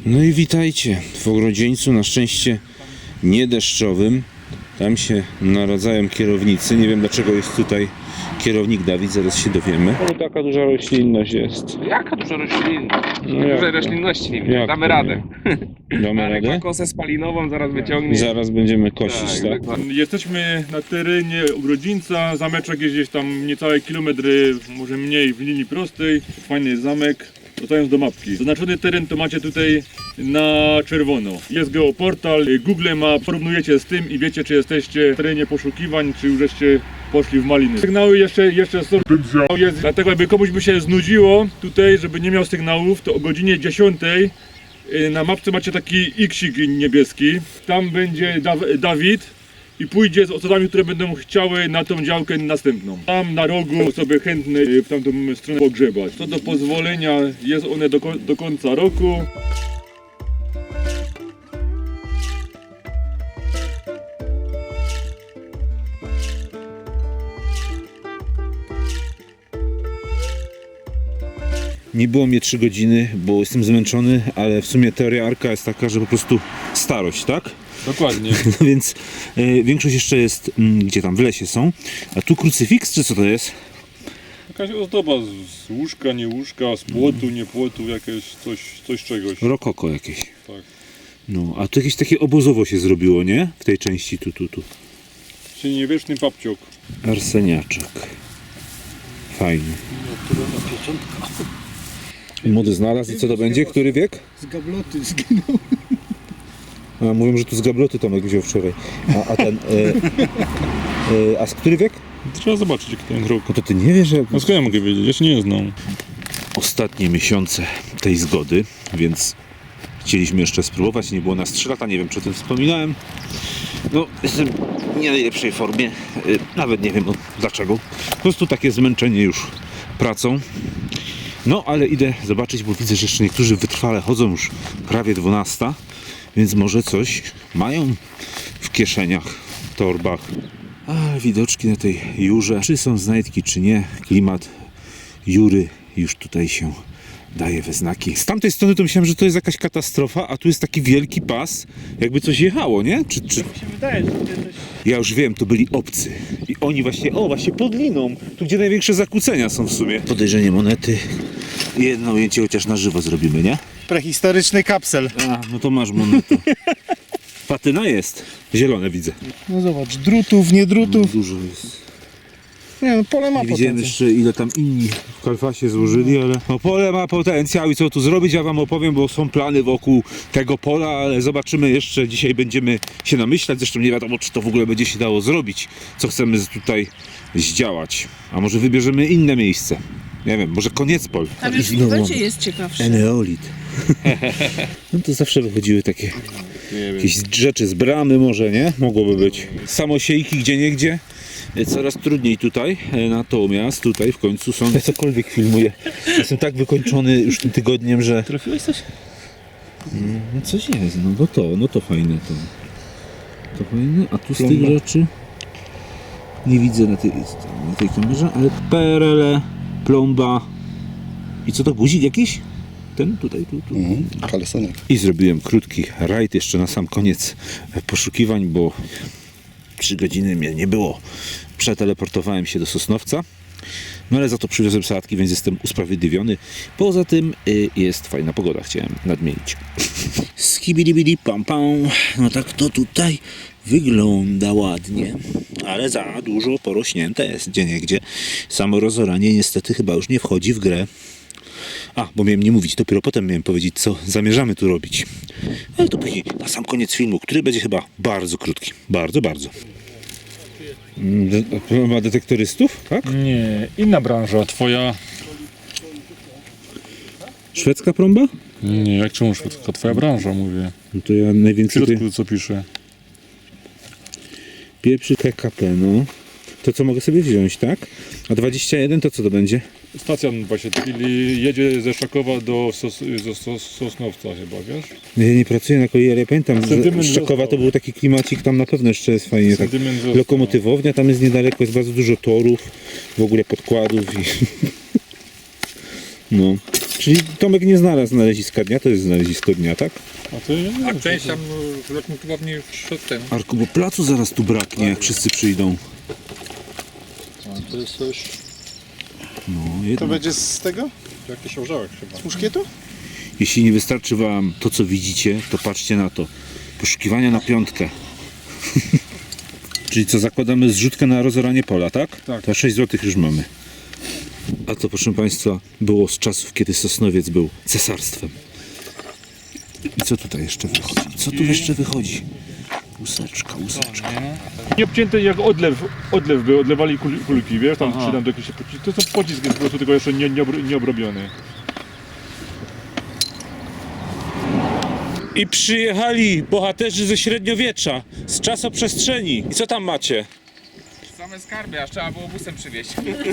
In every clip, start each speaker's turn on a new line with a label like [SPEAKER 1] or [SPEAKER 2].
[SPEAKER 1] No i witajcie w ogrodzieńcu, na szczęście nie deszczowym. Tam się naradzają kierownicy. Nie wiem dlaczego jest tutaj kierownik Dawid, zaraz się dowiemy. O, taka duża roślinność jest.
[SPEAKER 2] Jaka duża roślinność?
[SPEAKER 1] No jak
[SPEAKER 2] Dużej
[SPEAKER 1] to?
[SPEAKER 2] roślinności nie widzę.
[SPEAKER 1] Jak
[SPEAKER 2] Damy
[SPEAKER 1] to
[SPEAKER 2] radę.
[SPEAKER 1] Damy
[SPEAKER 2] Marek ma
[SPEAKER 1] radę?
[SPEAKER 2] kosę spalinową, zaraz wyciągnie.
[SPEAKER 1] Zaraz będziemy kosić, tak?
[SPEAKER 2] dokładnie.
[SPEAKER 3] Jesteśmy na terenie ogrodzieńca, zameczek jest gdzieś tam niecałe kilometry, może mniej w linii prostej. Fajny jest zamek. Wracając do mapki. Zaznaczony teren to macie tutaj na czerwono. Jest geoportal, Google Maps, porównujecie z tym i wiecie czy jesteście w terenie poszukiwań, czy już żeście poszli w maliny. Sygnały jeszcze są, jest, dlatego jakby komuś by się znudziło tutaj, żeby nie miał sygnałów, to o godzinie 10 na mapce macie taki X-ik niebieski. Tam będzie Dawid i pójdzie z osobami, które będą chciały na tą działkę następną. Tam na rogu osoby chętne w tamtą stronę pogrzebać. Co do pozwolenia, jest one do końca roku.
[SPEAKER 1] Nie było mnie 3 godziny, bo jestem zmęczony, ale w sumie teoria Arka jest taka, że po prostu starość, tak?
[SPEAKER 3] Dokładnie.
[SPEAKER 1] No więc większość jeszcze jest, gdzie tam w lesie są. A tu krucyfiks, czy co to jest?
[SPEAKER 3] Jakaś ozdoba z łóżka, nie łóżka, z płotu, nie płotu, jakieś coś czegoś.
[SPEAKER 1] Rokoko jakieś.
[SPEAKER 3] Tak.
[SPEAKER 1] No, a tu jakieś takie obozowo się zrobiło, nie? W tej części tu.
[SPEAKER 3] Średniowieczny papciok.
[SPEAKER 1] Arseniaczek. Fajny. Młody znalazł i co to będzie? Który wiek?
[SPEAKER 4] Z gabloty zginął.
[SPEAKER 1] A, mówią, że tu z gabloty Tomek wziął wczoraj. A ten... a z który wiek?
[SPEAKER 3] Trzeba zobaczyć jaki ten rok.
[SPEAKER 1] No to ty nie wiesz, że...
[SPEAKER 3] No skąd ja mogę wiedzieć? Ja się nie znam.
[SPEAKER 1] Ostatnie miesiące tej zgody, więc chcieliśmy jeszcze spróbować. Nie było nas 3 lata, nie wiem czy o tym wspominałem. No, jestem w nie najlepszej formie. Nawet nie wiem dlaczego. Po prostu takie zmęczenie już pracą. No, ale idę zobaczyć, bo widzę, że jeszcze niektórzy wytrwale chodzą już prawie 12, więc może coś mają w kieszeniach, w torbach. Ale widoczki na tej Jurze, czy są znajdki, czy nie, klimat Jury już tutaj się daje we znaki. Z tamtej strony to myślałem, że to jest jakaś katastrofa, a tu jest taki wielki pas, jakby coś jechało, nie? Czy...
[SPEAKER 4] Mi się wydaje, że tutaj coś...
[SPEAKER 1] Ja już wiem, to byli obcy. I oni właśnie pod liną, tu gdzie największe zakłócenia są w sumie. Podejrzenie monety. Jedno ujęcie chociaż na żywo zrobimy, nie?
[SPEAKER 4] Prehistoryczny kapsel.
[SPEAKER 1] A, no to masz monetę. Patyna jest. Zielone widzę.
[SPEAKER 4] No zobacz, drutów, nie drutów.
[SPEAKER 1] Dużo jest.
[SPEAKER 4] Nie no, pole ma
[SPEAKER 1] Nie widziałem
[SPEAKER 4] potencjał.
[SPEAKER 1] jeszcze ile tam inni w Kalfasie złożyli, ale no, pole ma potencjał i co tu zrobić, ja wam opowiem, bo są plany wokół tego pola, ale zobaczymy jeszcze, dzisiaj będziemy się namyślać, zresztą nie wiadomo czy to w ogóle będzie się dało zrobić, co chcemy tutaj zdziałać, a może wybierzemy inne miejsce, nie wiem, może Koniecpol.
[SPEAKER 5] Tam już w wodzie jest ciekawsze.
[SPEAKER 1] Eneolit. No to zawsze wychodziły takie jakieś rzeczy z bramy może, nie? Mogłoby być. Samosiejki gdzieniegdzie. Coraz trudniej tutaj, natomiast tutaj w końcu są... Ja cokolwiek filmuję. Jestem tak wykończony już tym tygodniem, że...
[SPEAKER 4] Trafiłeś coś?
[SPEAKER 1] No coś jest, no to fajne to. To fajne, a tu z tych rzeczy... Nie widzę na tej kamerze, ale PRL, plomba... I co to, guzik jakiś? Ten tutaj, tu.
[SPEAKER 4] Kalesonek.
[SPEAKER 1] I zrobiłem krótki rajd jeszcze na sam koniec poszukiwań, bo 3 godziny mnie nie było. Przeteleportowałem się do Sosnowca, no ale za to przywiozłem sałatki, więc jestem usprawiedliwiony. Poza tym jest fajna pogoda, chciałem nadmienić. Skibidibidi pam pam. No tak to tutaj wygląda ładnie, ale za dużo porośnięte jest gdzieniegdzie. Samo rozoranie niestety chyba już nie wchodzi w grę. A, bo miałem nie mówić, dopiero potem miałem powiedzieć, co zamierzamy tu robić. Ale to później, na sam koniec filmu, który będzie chyba bardzo krótki. Bardzo. Ma detektorystów, tak?
[SPEAKER 3] Nie, inna branża, twoja...
[SPEAKER 1] Szwedzka prąba?
[SPEAKER 3] Nie, jak czemu szwedzka? Twoja branża, mówię.
[SPEAKER 1] No to ja
[SPEAKER 3] W
[SPEAKER 1] najwięcej...
[SPEAKER 3] środku co pisze?
[SPEAKER 1] Pierwszy PKP, no. To co mogę sobie wziąć, tak? A 21 to co to będzie?
[SPEAKER 3] Stacjan właśnie, czyli jedzie ze Szakowa do Sosnowca chyba, wiesz?
[SPEAKER 1] Ja nie pracuję na kolei, ale ja pamiętam, że
[SPEAKER 3] Sentyment
[SPEAKER 1] Szczakowa to
[SPEAKER 3] został.
[SPEAKER 1] był taki klimacik, tam na pewno jeszcze jest fajnie. Tak.
[SPEAKER 3] Sentyment został.
[SPEAKER 1] Lokomotywownia tam jest niedaleko, jest bardzo dużo torów, w ogóle podkładów i... No. Czyli Tomek nie znalazł znaleziska dnia, to jest znalezisko dnia, tak?
[SPEAKER 6] A część tam ratunkowa mnie szedł ten.
[SPEAKER 1] Arku, bo placu zaraz tu braknie, jak wszyscy przyjdą.
[SPEAKER 6] A to jest coś,
[SPEAKER 1] No,
[SPEAKER 4] To
[SPEAKER 1] jedno.
[SPEAKER 4] będzie z tego?
[SPEAKER 6] jakiś orzełek chyba.
[SPEAKER 4] Z muszkietu?
[SPEAKER 1] Jeśli nie wystarczy wam to, co widzicie, to patrzcie na to. Poszukiwania na piątkę. Czyli co, zakładamy zrzutkę na rozoranie pola, tak? Tak. To 6 zł już mamy. A to, proszę Państwa, było z czasów, kiedy Sosnowiec był cesarstwem. I co tutaj jeszcze wychodzi? Co tu jeszcze wychodzi? Łuseczka, łuseczka.
[SPEAKER 3] Nie obcięte jak odlew był, odlewali kulki, wiesz, tam czy tam do jakiejś pociski. To są pocisk jest po prostu tylko jeszcze nie obrobiony.
[SPEAKER 1] I przyjechali bohaterzy ze średniowiecza, z czasoprzestrzeni. I co tam macie?
[SPEAKER 2] Same skarby, aż trzeba było busem przywieźć.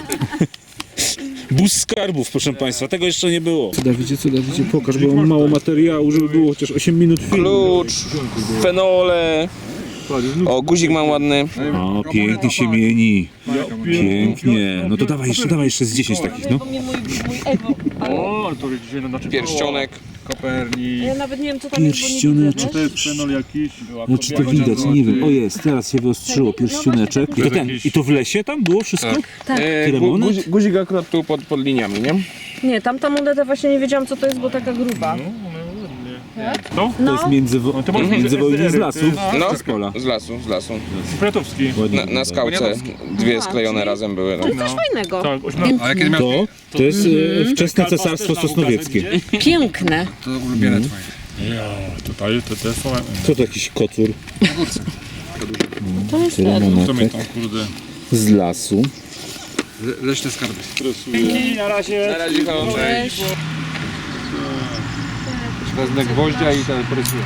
[SPEAKER 1] Bus skarbów, proszę Państwa, tego jeszcze nie było. Co Dawidzie, pokaż, bo mam mało materiału, żeby było chociaż 8 minut filmu.
[SPEAKER 2] Klucz, fenole. O, guzik mam ładny.
[SPEAKER 1] O, pięknie się mieni. Pięknie. No to dawaj jeszcze z 10 takich, no.
[SPEAKER 5] Mój ego, ale
[SPEAKER 3] O, ale to dzisiaj na znaczy
[SPEAKER 2] Pierścionek.
[SPEAKER 3] Kopernik.
[SPEAKER 5] ja nawet nie wiem co tam jest, bo nie widzę,
[SPEAKER 1] Pierścioneczek.
[SPEAKER 3] To jest fenol jakiś.
[SPEAKER 1] No czy to widać, nie wiem. O jest, teraz się wyostrzyło pierścioneczek. I to i to w lesie tam było wszystko?
[SPEAKER 5] Tak.
[SPEAKER 1] Tyle monet?
[SPEAKER 2] Guzik akurat tu pod liniami, nie?
[SPEAKER 5] Nie, tamta moneta właśnie nie wiedziałam co to jest, bo taka gruba.
[SPEAKER 3] No,
[SPEAKER 1] To jest międzywojnie z lasu,
[SPEAKER 2] No,
[SPEAKER 1] czy z pola?
[SPEAKER 2] z lasu.
[SPEAKER 3] Kwiatowski.
[SPEAKER 1] Ładnie
[SPEAKER 2] Na skałce dwie sklejone razem były.
[SPEAKER 5] To jest coś fajnego.
[SPEAKER 3] Tak,
[SPEAKER 6] A kiedy miał
[SPEAKER 1] To jest wczesne cesarstwo sosnowieckie.
[SPEAKER 5] Piękne.
[SPEAKER 6] to ulubione twoje?
[SPEAKER 3] Tutaj te są...
[SPEAKER 1] Co to jakiś kocur?
[SPEAKER 5] To jest
[SPEAKER 1] Tyle
[SPEAKER 5] ten.
[SPEAKER 1] monetek
[SPEAKER 3] tam kurde.
[SPEAKER 1] z lasu.
[SPEAKER 6] Leśne skarby.
[SPEAKER 3] Na razie.
[SPEAKER 2] Na razie
[SPEAKER 5] Cześć.
[SPEAKER 6] Wezmę gwoździa i ten porysuje.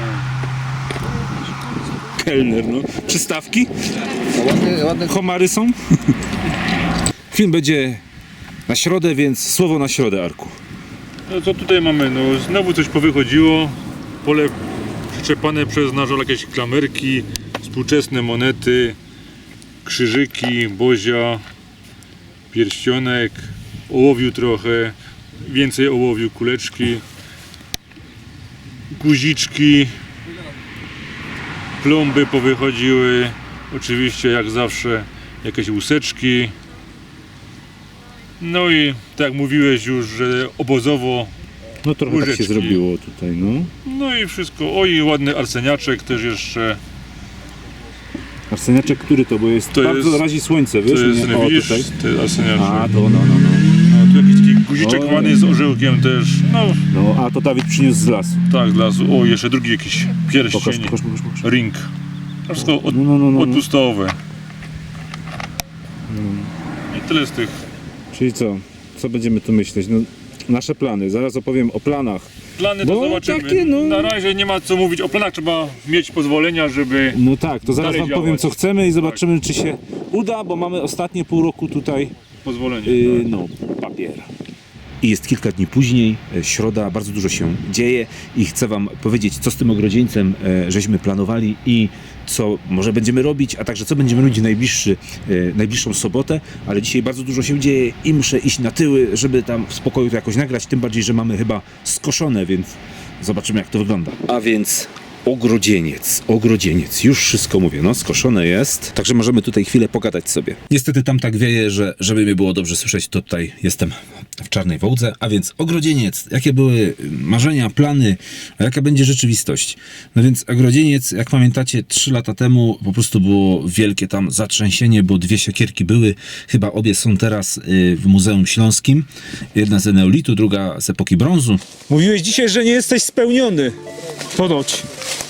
[SPEAKER 1] Kelner, no. Przystawki? Homary są? Film będzie na środę, więc słowo na środę, Arku.
[SPEAKER 3] No co tutaj mamy? No znowu coś powychodziło. Pole przyczepane przez nasz jakieś klamerki, współczesne monety, krzyżyki, bozia, pierścionek, ołowiu trochę, więcej ołowiu, kuleczki, guziczki, plomby powychodziły, oczywiście jak zawsze jakieś łuseczki. No i tak jak mówiłeś już, że obozowo.
[SPEAKER 1] No trochę tak się
[SPEAKER 3] Łyżeczki.
[SPEAKER 1] zrobiło tutaj, no.
[SPEAKER 3] No i wszystko. Oj, ładny arseniaczek też jeszcze.
[SPEAKER 1] Arseniaczek, który to? Bo jest
[SPEAKER 3] To
[SPEAKER 1] bardzo
[SPEAKER 3] jest-
[SPEAKER 1] razi słońce,
[SPEAKER 3] To
[SPEAKER 1] wiesz?
[SPEAKER 3] jest,
[SPEAKER 1] nie? O,
[SPEAKER 3] widzisz,
[SPEAKER 1] tutaj.
[SPEAKER 3] to jest arseniaczek.
[SPEAKER 1] A, to no.
[SPEAKER 3] No, tu jakiś taki guziczek
[SPEAKER 1] Oj.
[SPEAKER 3] ładny z orzełkiem też. No,
[SPEAKER 1] No, a to Dawid przyniósł z lasu.
[SPEAKER 3] tak, z lasu. O, jeszcze drugi jakiś pierścień.
[SPEAKER 1] Pokaż.
[SPEAKER 3] Ring. To wszystko
[SPEAKER 1] No.
[SPEAKER 3] odpustowe. I tyle z tych.
[SPEAKER 1] Czyli co? Co będziemy tu myśleć? No, nasze plany. Zaraz opowiem o planach.
[SPEAKER 3] Plany to
[SPEAKER 1] Bo
[SPEAKER 3] zobaczymy.
[SPEAKER 1] takie, no-
[SPEAKER 3] Na razie nie ma co mówić o planach, trzeba mieć pozwolenia, żeby...
[SPEAKER 1] No tak, to zaraz
[SPEAKER 3] Dalej
[SPEAKER 1] wam
[SPEAKER 3] działać.
[SPEAKER 1] powiem co chcemy i zobaczymy czy się uda, bo mamy ostatnie pół roku tutaj
[SPEAKER 3] Pozwolenie.
[SPEAKER 1] no, papier. I jest kilka dni później, środa, bardzo dużo się dzieje i chcę wam powiedzieć, co z tym ogrodzieńcem żeśmy planowali i co może będziemy robić, a także co będziemy robić w najbliższą sobotę, ale dzisiaj bardzo dużo się dzieje i muszę iść na tyły, żeby tam w spokoju to jakoś nagrać, tym bardziej, że mamy chyba skoszone, więc zobaczymy jak to wygląda. A więc ogrodzieniec, już wszystko mówię, no skoszone jest, także możemy tutaj chwilę pogadać sobie. Niestety tam tak wieje, że żeby mnie było dobrze słyszeć, to tutaj jestem w Czarnej Wołdze, a więc ogrodzieniec, jakie były marzenia, plany, a jaka będzie rzeczywistość? No więc ogrodzieniec, jak pamiętacie, 3 lata temu po prostu było wielkie tam zatrzęsienie, bo 2 siekierki były, chyba obie są teraz w Muzeum Śląskim, jedna z neolitu, druga z epoki brązu. Mówiłeś dzisiaj, że nie jesteś spełniony, ponoć.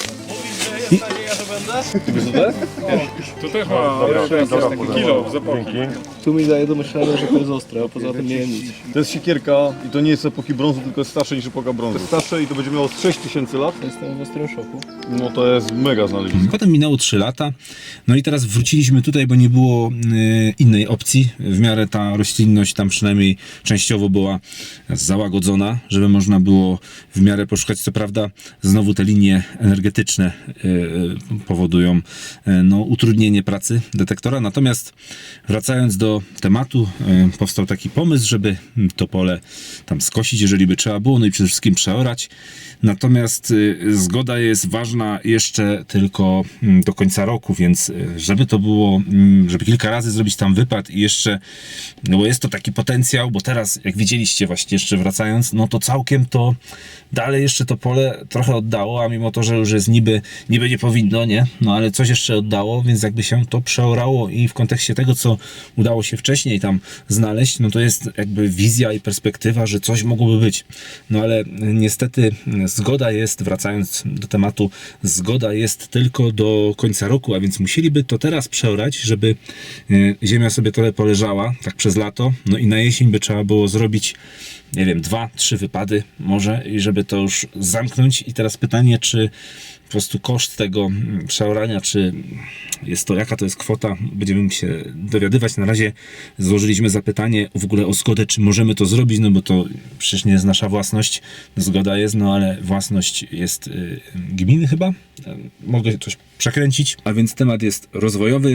[SPEAKER 3] To też ma kilo zapałki.
[SPEAKER 7] Tu mi daje do myślenia, że to jest ostre, a poza tym nie wiem nic.
[SPEAKER 8] To jest siekierka i to nie jest epoki brązu, tylko jest starsze niż epoka brązu. To jest starsze i to będzie miało z 6000 lat.
[SPEAKER 7] Jestem w ostrym szoku.
[SPEAKER 8] No to jest mega znalezisko.
[SPEAKER 1] Potem minęło 3 lata, no i teraz wróciliśmy tutaj, bo nie było innej opcji. W miarę ta roślinność tam przynajmniej częściowo była załagodzona, żeby można było w miarę poszukać. Co prawda znowu te linie energetyczne powodują no, utrudnienie pracy detektora, natomiast wracając do tego tematu powstał taki pomysł, żeby to pole tam skosić, jeżeli by trzeba było, no i przede wszystkim przeorać. Natomiast zgoda jest ważna jeszcze tylko do końca roku, więc żeby to było, żeby kilka razy zrobić tam wypad i jeszcze, no bo jest to taki potencjał, bo teraz jak widzieliście właśnie jeszcze wracając, no to całkiem to dalej jeszcze to pole trochę oddało, a mimo to, że już jest niby nie powinno, nie? No ale coś jeszcze oddało, więc jakby się to przeorało i w kontekście tego, co udało się wcześniej tam znaleźć, no to jest jakby wizja i perspektywa, że coś mogłoby być. No ale niestety zgoda jest, wracając do tematu, zgoda jest tylko do końca roku, a więc musieliby to teraz przeorać, żeby ziemia sobie trochę poleżała, tak przez lato, no i na jesień by trzeba było zrobić, nie wiem, 2-3 wypady może i żeby to już zamknąć. I teraz pytanie, czy po prostu koszt tego przeorania, czy jest to, jaka to jest kwota, będziemy się dowiadywać. Na razie złożyliśmy zapytanie w ogóle o zgodę, czy możemy to zrobić, no bo to przecież nie jest nasza własność, zgoda jest, no ale własność jest gminy chyba, mogę coś przekręcić, a więc temat jest rozwojowy.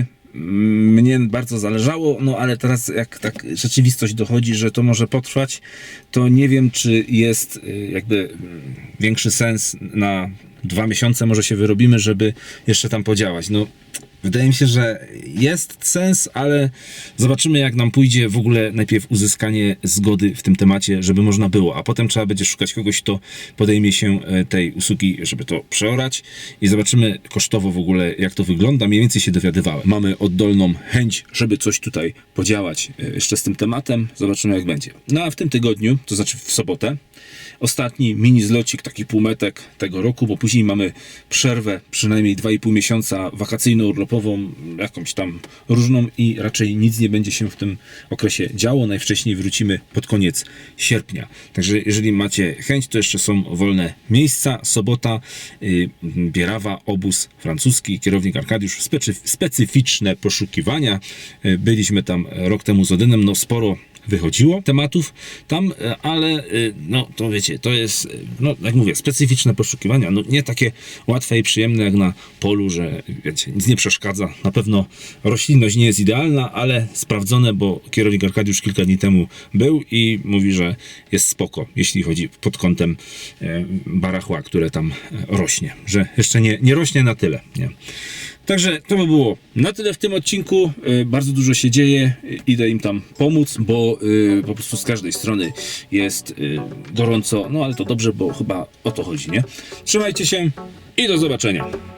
[SPEAKER 1] Mnie bardzo zależało, no ale teraz jak tak rzeczywistość dochodzi, że to może potrwać, to nie wiem, czy jest jakby większy sens na 2 miesiące może się wyrobimy, żeby jeszcze tam podziałać. No wydaje mi się, że jest sens, ale zobaczymy, jak nam pójdzie w ogóle najpierw uzyskanie zgody w tym temacie, żeby można było, a potem trzeba będzie szukać kogoś, kto podejmie się tej usługi, żeby to przeorać i zobaczymy kosztowo w ogóle, jak to wygląda. Mniej więcej się dowiadywałem. Mamy oddolną chęć, żeby coś tutaj podziałać jeszcze z tym tematem. Zobaczymy, jak będzie. No a w tym tygodniu, to znaczy w sobotę, ostatni mini zlocik, taki półmetek tego roku, bo później mamy przerwę przynajmniej 2,5 miesiąca wakacyjno-urlopową, jakąś tam różną i raczej nic nie będzie się w tym okresie działo. Najwcześniej wrócimy pod koniec sierpnia. Także jeżeli macie chęć, to jeszcze są wolne miejsca. Sobota, Bierawa, obóz francuski, kierownik Arkadiusz, specyficzne poszukiwania. Byliśmy tam rok temu z Odynem, no sporo wychodziło tematów tam, ale no to wiecie, to jest, no jak mówię, specyficzne poszukiwania, no nie takie łatwe i przyjemne jak na polu, że wiecie, nic nie przeszkadza, na pewno roślinność nie jest idealna, ale sprawdzone, bo kierownik Arkadiusz kilka dni temu był i mówi, że jest spoko, jeśli chodzi pod kątem barachła, które tam rośnie, że jeszcze nie rośnie na tyle, nie? Także to by było na tyle w tym odcinku. Bardzo dużo się dzieje. Idę im tam pomóc, bo po prostu z każdej strony jest gorąco. No ale to dobrze, bo chyba o to chodzi, nie? Trzymajcie się i do zobaczenia.